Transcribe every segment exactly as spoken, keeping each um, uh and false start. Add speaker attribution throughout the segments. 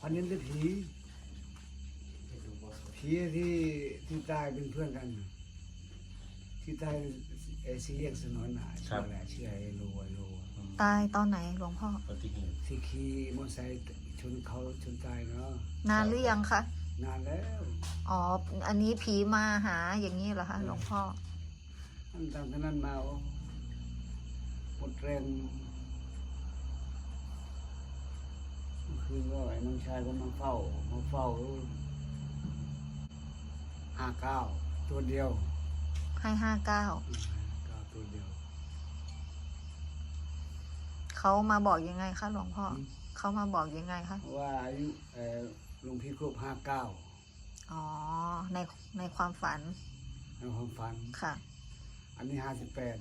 Speaker 1: อันนี้เป็นผีผีที่ที่ตายเป็นเพื่อนกันที่ตายไอ้ซีเรียกสนอนหนาชื่ออะไรชื่อไอ้โลไอ้โล
Speaker 2: ตายตอนไหนหลวงพ่อ
Speaker 1: ที่ขี่มอเตอร์ไซค์ชนเขาชนตายเนาะ
Speaker 2: นานหรือยังคะ
Speaker 1: นานแล้ว
Speaker 2: อ๋ออันนี้ผีมาหาอย่างนี้เหรอคะหลวงพ่อ
Speaker 1: ตั้งแต่นั้นมาหมดแรงคือก็ไอ้น้องชายก็มาเฝ้ามาเฝ้าห้าเก้าตัวเดียว
Speaker 2: ให้ห้าเก้า
Speaker 1: เก้าตัวเดียว
Speaker 2: เขามาบอกยังไงคะหลวงพ่อเขามาบอกยังไงคะ
Speaker 1: ว่าอายุเออหลวงพี่ครบห้าเก้า
Speaker 2: อ๋อในในความฝัน
Speaker 1: ในความฝัน
Speaker 2: ค่ะ
Speaker 1: อันนี้ห้าสิบแปด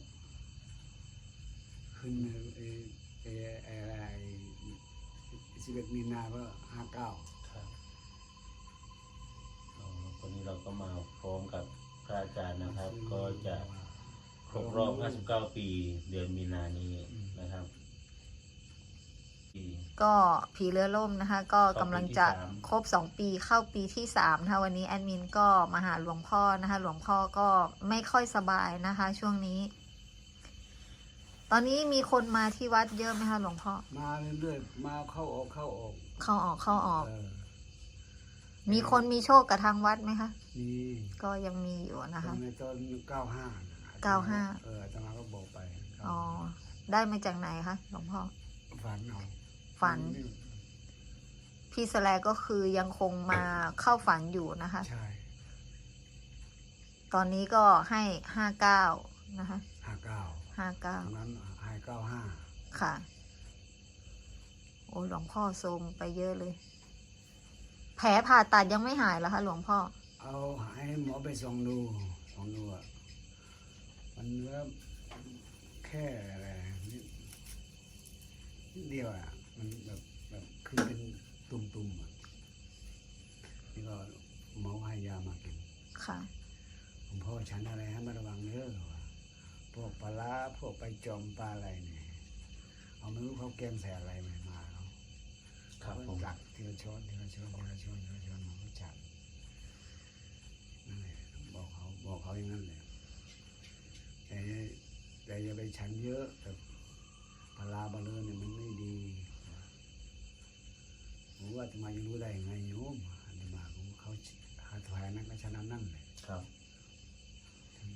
Speaker 1: ขึ้นเอเอเออะไรสิบเอ็ดมีนาก็ห้าเก้า
Speaker 3: ครับวันนี้เราก็มาพร้อมกับพระอาจารย์นะครับ ก็จะครบรอบห้าสิบเก้าปีเดือนมีนานี้นะครับปี
Speaker 2: ก็ผีเรือล่มนะคะ ก็กำลังจะครบสองปีเข้าปีที่สามนะคะวันนี้แอดมินก็มาหาหลวงพ่อนะคะ หลวงพ่อก็ไม่ค่อยสบายนะคะ ช่วงนี้ ตอนนี้มีคนมาที่วัดเยอะไหมคะหลวงพ่อ
Speaker 1: มาเรื่อยๆมาเข้าออกเข้าออก
Speaker 2: เข้าออกเข้าออก
Speaker 1: เออ
Speaker 2: มีคนมีโชคกับทางวัดไหมคะ
Speaker 1: มี
Speaker 2: ก็ยังมีอยู่นะคะ
Speaker 1: ในตอนเก้าห้า
Speaker 2: เก้าห้า
Speaker 1: เอออาตมาก็บอกไป
Speaker 2: อ๋อได้มาจากไหนคะหลวงพ่อ
Speaker 1: ฝันเอา
Speaker 2: ฝัน พี่สแลก็คือยังคงมาเข้าฝันอยู่นะคะ
Speaker 1: ใช่
Speaker 2: ตอนนี้ก็ให้ห้าเก้านะคะ
Speaker 1: ห้าเก้า
Speaker 2: ห้าเก้า
Speaker 1: ตรงนั้นห้าเก้าห้า
Speaker 2: ค่ะ โอ้หลวงพ่อทรงไปเยอะเลย แผลผ่าตัดยังไม่หายเหรอคะหลวงพ่อ
Speaker 1: เอาให้หมอไปส่องดูส่องดูอ่ะมันเนื้อแค่อะไรนิดนิดเดียวอ่ะมันแบบแบบขึ้นเป็นตุ่มๆอ่ะนี่ก็หมอให้ยามากิน
Speaker 2: ค่ะ
Speaker 1: ผมพ่อฉันอะไรให้มาระวังเนื้อว่ะพวกปลาร้าพวกไปจอมปลาอะไรเนี่ยเอาไม่รู้เขาแกงใส่อะไรมามาเขา
Speaker 3: ครับผม
Speaker 1: จักทีละช้อนทีละช้อนทีละช้อนทีละช้อนมันก็จับนั่นแหละบอกเขาบอกเขาอย่างนั้นเลยแต่แต่อย่าไปฉันเยอะแต่ปลาร้าปลาเลือเนี่ยมันไม่ดีผมว่าจะมาจะรู้ได้ยังไงโยมอาตมาของเขาหาถวายนั้นก็ชนะนั่นเลย
Speaker 3: ครับ
Speaker 1: ทำไป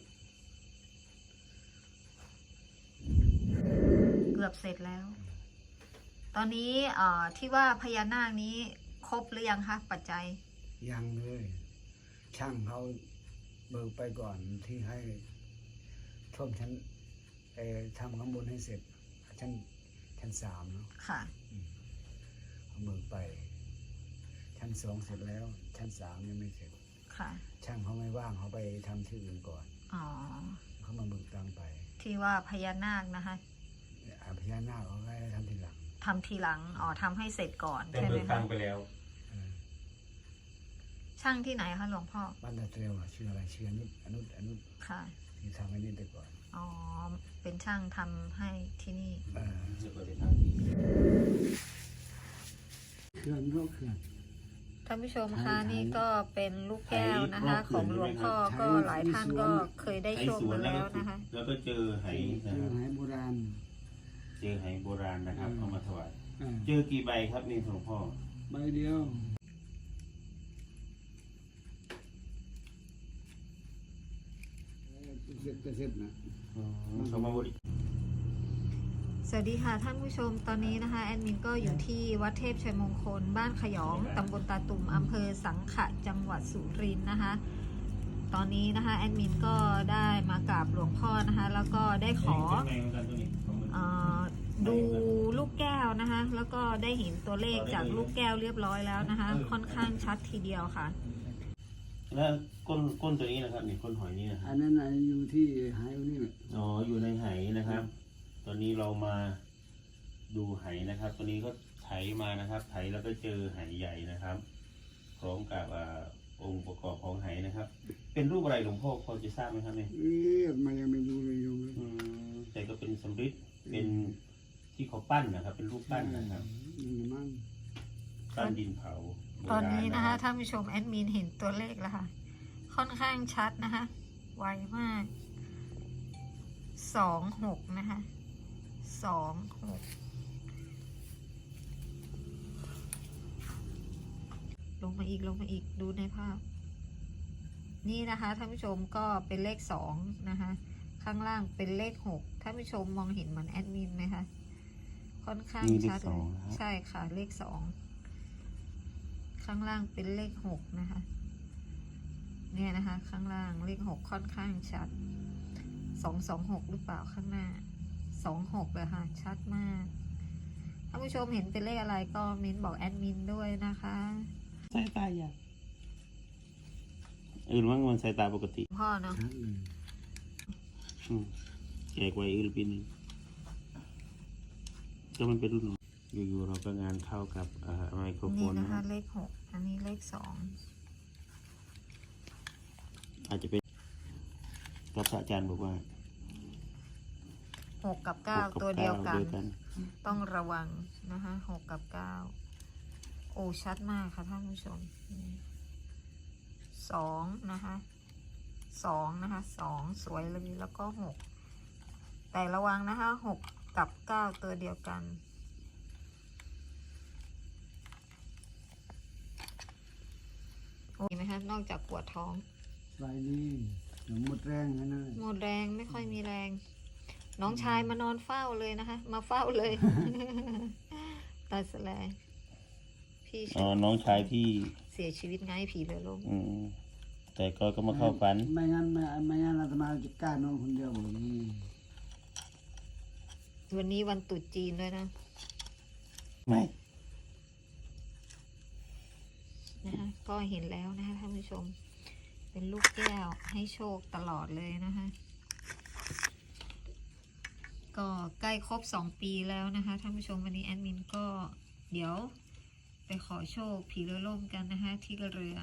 Speaker 2: เกือบเสร็จแล้ว ตอนนี้เอ่อที่ว่าพญานาคนี้ครบหรือยังคะปัจจัย
Speaker 1: ยังเลย ช่างเขาเบิกไปก่อนที่ให้ท่วมชั้นเอ่อทำข้างบนให้เสร็จ ชั้นชั้นสามเนาะ
Speaker 2: ค่ะ
Speaker 1: เขาเบิกไป ชั้นสองเสร็จแล้ว ชั้นสามยังไม่เสร็จ
Speaker 2: ค่ะ
Speaker 1: ช่างเขาไม่ว่างเขาไปทำที่อื่นก่อน
Speaker 2: อ๋อ
Speaker 1: เขามาเบิกตังค์ไป
Speaker 2: ที่ว่าพญานาคนะคะ
Speaker 1: อาพญานาคเขาให้ทำทีหลัง
Speaker 2: ทำทีหลัง อ๋อทำให้เสร็จก่อน
Speaker 3: แต่
Speaker 2: ใช่ไห
Speaker 3: เบิ
Speaker 2: ม
Speaker 3: กตั
Speaker 2: คะ
Speaker 3: งค์ไปแล้ว
Speaker 1: เออ
Speaker 2: ช่างที่ไหนคะหลวงพ่อ
Speaker 1: บ้านตาเตรียวอะชื่ออะไรชื่ออนุอนุอนุ
Speaker 2: ค่ะ
Speaker 1: ที่ทำให้นี่ไปก่อน
Speaker 2: อ๋อ เป็นช่างทำให้ที่นี่
Speaker 1: เออ
Speaker 3: จะเปิดทางที่
Speaker 1: เคลื่อนโรคเคลื่อน
Speaker 2: ท่านผู้ชมคะนี่ก็เป็นลูกแก้วนะคะ ของหลวงพ่อก็หลายท่านก็เคยได้โชคมาแล้วนะคะ
Speaker 3: แล้วก็เจอไห
Speaker 1: เจ
Speaker 3: นะค
Speaker 1: อ
Speaker 3: รับ
Speaker 1: หายโบราณ
Speaker 3: เจอไหโบราณนะครับเอามาถวาย
Speaker 1: เออ
Speaker 3: เจอกี่ใบครับนี่หลวงพ่อ
Speaker 1: ใบเดียวเสร็จก็เสร็จนะ
Speaker 3: เขามาบริ
Speaker 2: สวัสดีค่ะท่านผู้ชมตอนนี้นะคะแอดมินก็อยู่ที่วัดเทพชัยมงคล บ้านขยองตำบลตาตุ่มอำเภอสังขะจังหวัดสุรินทร์นะคะ ตอนนี้นะคะแอดมินก็ได้มากราบหลวงพ่อนะคะ แล้วก็ได้ขอเออดูลูกแก้วนะคะ แล้วก็ได้เห็นตัวเลขจากลูกแก้วเรียบร้อยแล้วนะคะ ค่อนข้างชัดทีเดียวค่ะ
Speaker 3: แล้วก้นก้นตัวนี้นะครับนี่ก้นหอยนี่นะค
Speaker 1: อั
Speaker 3: รับ
Speaker 1: นนั้นน่ะอยู่ที่หายนี่แหละ
Speaker 3: อ๋ออยู่ในไหนะครับ ตอนนี้เรามาดูไหนะครับ ตัวนี้ก็ไถมานะครับ ไถแล้วก็เจอไหใหญ่นะครับ พร้อมกับอ่าองค์ประกอบของไหนะครับ เป็นรูปอะไรหลวงพ่อพอจะทราบไหมครับเนี่ย
Speaker 1: เอ๊ะมายังไม่ดูเลยโยมเลย
Speaker 3: อืมแต่ก็เป็นสำริดเป็นที่เขาปั้นนะครับ เป็นรูปปั้นนะครับ
Speaker 1: นี่มั้ง
Speaker 3: ปั้นดินเผาโบ
Speaker 2: ตอน
Speaker 3: ราณ
Speaker 2: นี้นะคะ
Speaker 3: รับ
Speaker 2: ท่านผู้ชมแอดมินเห็นตัวเลขแล้วค่ะ ค่อนข้างชัดนะคะ ไวมาก สองหกนะคะ สองหก ลงมาอีกลงมาอีกดูในภาพ นี่นะคะท่านผู้ชมก็เป็นเลขสองนะคะ ข้างล่างเป็นเลขหกท่านผู้ชมมองเห็นเหมือนแอดมินไหมคะ ค่อนข้าง
Speaker 3: นี่เล
Speaker 2: ชั
Speaker 3: ข
Speaker 2: ด
Speaker 3: ส
Speaker 2: เล
Speaker 3: อง
Speaker 2: ย
Speaker 3: นะครับ
Speaker 2: ใช่ค่ะเลขสอง ข้างล่างเป็นเลขหกนะคะ เนี่ยนะคะ ข้างล่างเลขหกค่อนข้างชัด สองสองหกหรือเปล่าข้างหน้า สองหกเลยค่ะ ชัดมากท่านผู้ชมเห็นเป็นเลขอะไรก็เม้นบอกแอดมินด้วยนะคะ
Speaker 4: สายตาอยาก
Speaker 3: อื่นว่ามันสายตาปกติ
Speaker 2: พ่อเนาะ
Speaker 1: ชัดเลย
Speaker 3: อืมแจกไว้อื่นปีหนึงก็มันเป็นรุ่นอยู่ๆเราก็งานเข้ากับอ่าไมโครโฟ
Speaker 2: นี่
Speaker 3: น
Speaker 2: นะ
Speaker 3: นะคะ
Speaker 2: เลขหกอันนี้เลขสอง
Speaker 3: อาจจะเป็นกับพระอาจารย์บอกว่า
Speaker 2: หกกับเก้า
Speaker 3: หกับ
Speaker 2: ตัวเดียวกัน
Speaker 3: เดียวกัน
Speaker 2: ต้องระวังนะคะหกกับเก้าโอ้ชัดมากค่ะท่านผู้ชมสองนะคะสองนะคะสองสวยเลยแล้วก็หกแต่ระวังนะคะหกกับเก้าตัวเดียวกันโอ้ยไหมคะนอกจากปวดท้อง
Speaker 1: สบายดีเดี๋ยวหมดแรงนะนะ
Speaker 2: หมดแรงไม่ค่อยมีแรง น้องชายมานอนเฝ้าเลยนะคะ มาเฝ้าเลย ตาแสลงพี่
Speaker 3: อ๋อน้องชายที่
Speaker 2: เสียชีวิตไงผีเรือล่ม
Speaker 3: อืมแต่ก็ก็มาเข้าฝัน
Speaker 1: ไม่งั้นไม่ไม่งั้นอาตมาจะกล้านอนคนเดียวแบบนี้
Speaker 2: วันนี้วันตรุษจีนด้วยนะ
Speaker 3: ไม่
Speaker 2: นะคะก็เห็นแล้วนะคะท่านผู้ชม เป็นลูกแก้วให้โชคตลอดเลยนะคะ ก็ใกล้ครบสองปีแล้วนะคะท่านผู้ชมวันนี้แอดมินก็เดี๋ยวไปขอโชคผีเรือล่มกันนะคะ ที่เรือ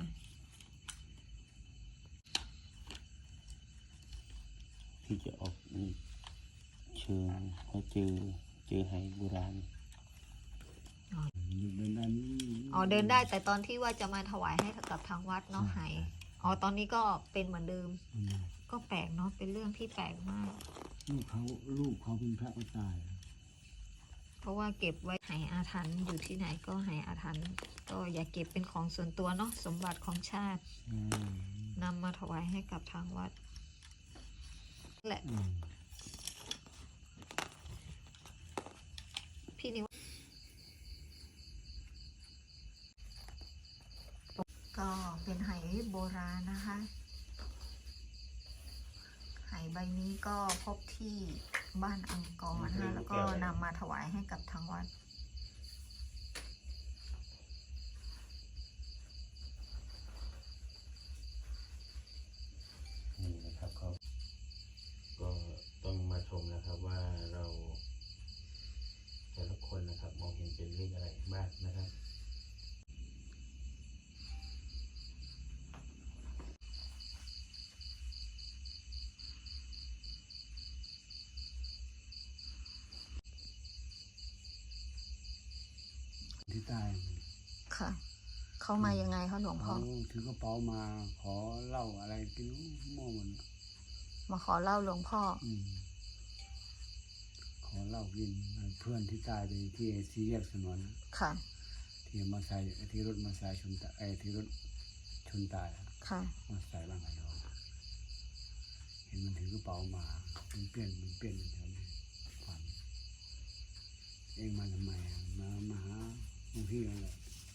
Speaker 3: ที่จะออกนี่เชิงเขาเจอเจอไหโบราณ
Speaker 1: อยู่เดินด้านนี้
Speaker 2: อ๋อเดินได้แต่ตอนที่ว่าจะมาถวายให้กับทางวัดเนาะไหอ๋อตอนนี้ก็เป็นเหมือนเดิม
Speaker 1: อืม
Speaker 2: ก็แปลกเนาะเป็นเรื่องที่แปลกมาก
Speaker 1: ลูกเขาลูกเขาเป็นพระมาตาย
Speaker 2: เพราะว่าเก็บไว้ไหอาถรรพ์อยู่ที่ไหนก็ไหอาถรรพ์ก็อย่าเก็บเป็นของส่วนตัวเนาะสมบัติของชาติ
Speaker 1: อืม
Speaker 2: นำมาถวายให้กับทางวัดแหละ
Speaker 1: อืม
Speaker 2: พี่นิวก็เป็นไหโบราณนะคะไหใบนี้ก็พบที่บ้านอังกอร์นะคะแล้วก็นำมาถวายให้กับทางวัด
Speaker 3: นี่นะครับก็ก็ต้องมาชมนะครับว่าเราแต่ละคนนะครับ มองเห็นเป็นเลขอะไรบ้างนะครับ
Speaker 1: ที่ตาย
Speaker 2: ค่ะ เข้ามายังไงคะหลวงพ่อ
Speaker 1: เขาถือกระเป๋ามาขอเหล้าอะไรกินมั่วหมด
Speaker 2: มาขอเล่าหลวงพ่อ
Speaker 1: อืมขอเหล้ากินเพื่อนที่ตายไปที่สี่แยกสนวน
Speaker 2: ค่ะ
Speaker 1: ที่มาใส่ที่รถมาใส่ชนตายไอ้ที่รถชนตาย
Speaker 2: ค่ะ
Speaker 1: มาใส่บ้างไงเราเห็นมันถือกระเป๋ามามันเปลี่ยนมันเปลี่ยนแถวนี้ฝันเองมาทำไมอะมามาหาหลวงพี่อะไร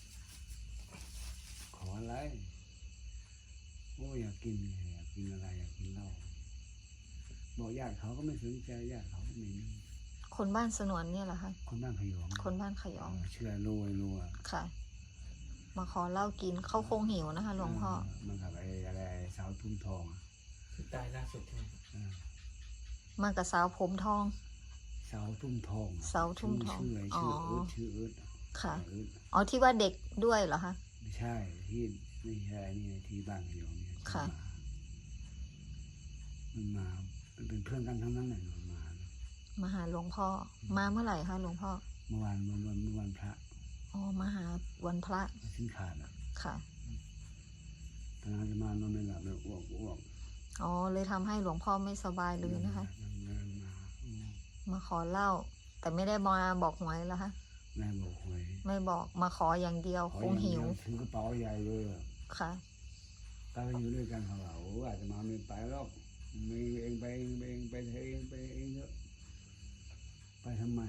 Speaker 1: ขออะไรโอ้ยอยากกินอยากกินอะไรอยากกินเหล้าบอกญาติเขาก็ไม่สนใจญาติเขาก็ไม่มี
Speaker 2: คนบ้านสนวนเนี่ยเหรอคะ
Speaker 1: คนบ้านพยอง
Speaker 2: คนบ้านขยอง
Speaker 1: เออเชื่อรวยรวย
Speaker 2: ค่ะ มาขอเหล้ากินเขาคงหิวนะคะหลวงพ่อ
Speaker 1: มันกับไอ้อะไรสาวทุ่มทองอะ
Speaker 4: ที่ตายล่าสุดใช่ไหม
Speaker 1: เออ
Speaker 2: มากับสาวผมทอง
Speaker 1: สาวทุ่มทองอะ
Speaker 2: สาวทุ่มทอง
Speaker 1: ชื่ออะไร
Speaker 2: อ๋อ
Speaker 1: ชื่อเอิร์ธชื่อเอิร์ธอะ
Speaker 2: ค่ะ
Speaker 1: เอิร์ธอะ
Speaker 2: อ๋อที่ว่าเด็กด้วยเหรอคะ
Speaker 1: ไม่ใช่ที่ไม่ใช่นี่ที่บ้านพยองเนี่ย
Speaker 2: ค่ะ
Speaker 1: มันมามันเป็นเพื่อนกันทั้งนั้นเลยมันมา
Speaker 2: มาหาหลวงพ่อ มาเมื่อไหร่คะหลวงพ่อ
Speaker 1: เมื่อวานเมื่อวันเมื่อวันพระ
Speaker 2: อ๋อมาหาวันพระ
Speaker 1: สิ้นขาดอ่ะ
Speaker 2: ค่ะ
Speaker 1: ตอนนั้นจะมานอนไม่หลับเลยอ้วกอ้วก
Speaker 2: อ๋อเลยทำให้หลวงพ่อไม่สบายเลยนะคะ
Speaker 1: เดินมาอืม
Speaker 2: มาขอเหล้าแต่ไม่ได้มาบอกหวยแล้วคะ
Speaker 1: แม่บอกหวย
Speaker 2: ไม่บอกมาขออย่างเดียว
Speaker 1: ขอ
Speaker 2: คงหิว
Speaker 1: อย่างเดียถือกระเป๋าใหญ่เลยอะ
Speaker 2: ค่ะ
Speaker 1: ตาไปอยู่ด้วยกันเขาว่าโอ้อาจจะมาไม่ไปหรอกมีเองไปเองไปเองไปเถอะเองไปเองเถอะไปทำไม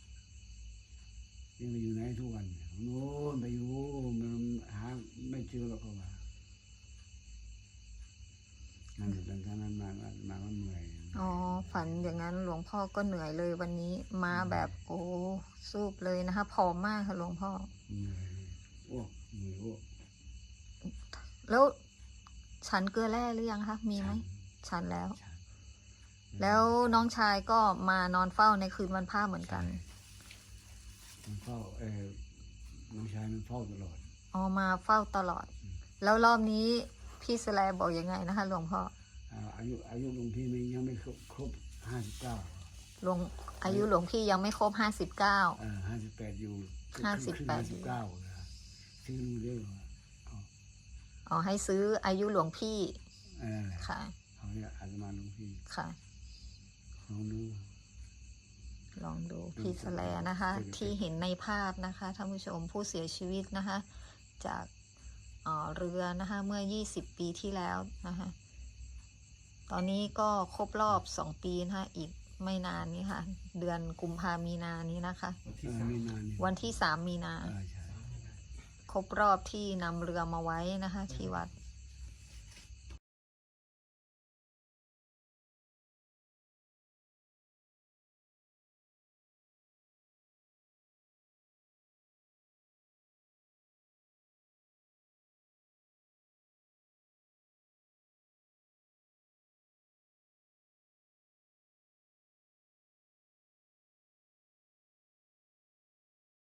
Speaker 1: ยังไปอยู่ไหนทุกวันเนี่ยโน่นไปอยู่มันหาไม่เจอหรอกเขาว่านั่นหลังจากนั้นมามามาก็เหนื่อย
Speaker 2: อ๋อฝันอย่างนั้นหลวงพ่อก็เหนื่อยเลยวันนี้มาแบบโอ้สูบเลยนะคะผอมมากค่ะหลวงพ่อ
Speaker 1: เหนื่อยอ้วกเหนื่อยอ้วก
Speaker 2: แล้วฉันเกลือแร่หรือยังคะมีไหมฉันแล้ว
Speaker 1: ฉัน
Speaker 2: แล้วน้องชายก็มานอนเฝ้าในคืนวันพระเหมือนกัน
Speaker 1: มันเฝ้าเออน้องชายมันเฝ้าตลอด
Speaker 2: อ๋อมาเฝ้าตลอด แล้วรอบนี้พี่สแลบอกยังไงนะคะหลวงพ่อ
Speaker 1: อ่าอายุอายุหลวงพี่มันยังไม่ครบครบห้าสิบเก้า
Speaker 2: หลวงอายุหลวงพี่ยังไม่ครบห้าสิบเก้า
Speaker 1: เออห้าสิบแปดอยู่
Speaker 2: ห้าสิบแปด
Speaker 1: ห้าสิบเก้านะซื้อรู้เรื่องว่าเอา
Speaker 2: อ๋อให้ซื้ออายุหลวงพี่
Speaker 1: เออ
Speaker 2: ค่ะ
Speaker 1: เขาเนี่ยอาจจะมาหลวงพี่
Speaker 2: ค่ะ
Speaker 1: ลองดู
Speaker 2: ลองดูพี่สแลนะคะ ที่เห็นในภาพนะคะท่านผู้ชมผู้เสียชีวิตนะคะ จากเอ่อเรือนะคะเมื่อยี่สิบปีที่แล้วนะคะตอนนี้ก็ครบรอบสองปีนะคะอีกไม่นานนี้ค่ะ เดือนกุมภามีนานี้นะคะ
Speaker 4: วัน
Speaker 1: เอ
Speaker 4: ที่
Speaker 1: อ
Speaker 4: สาม
Speaker 1: ไม่นานนี่
Speaker 2: วันที่สามมีนา
Speaker 1: เออใช่
Speaker 2: ครบรอบที่นำเรือมาไว้นะคะ ที่วัด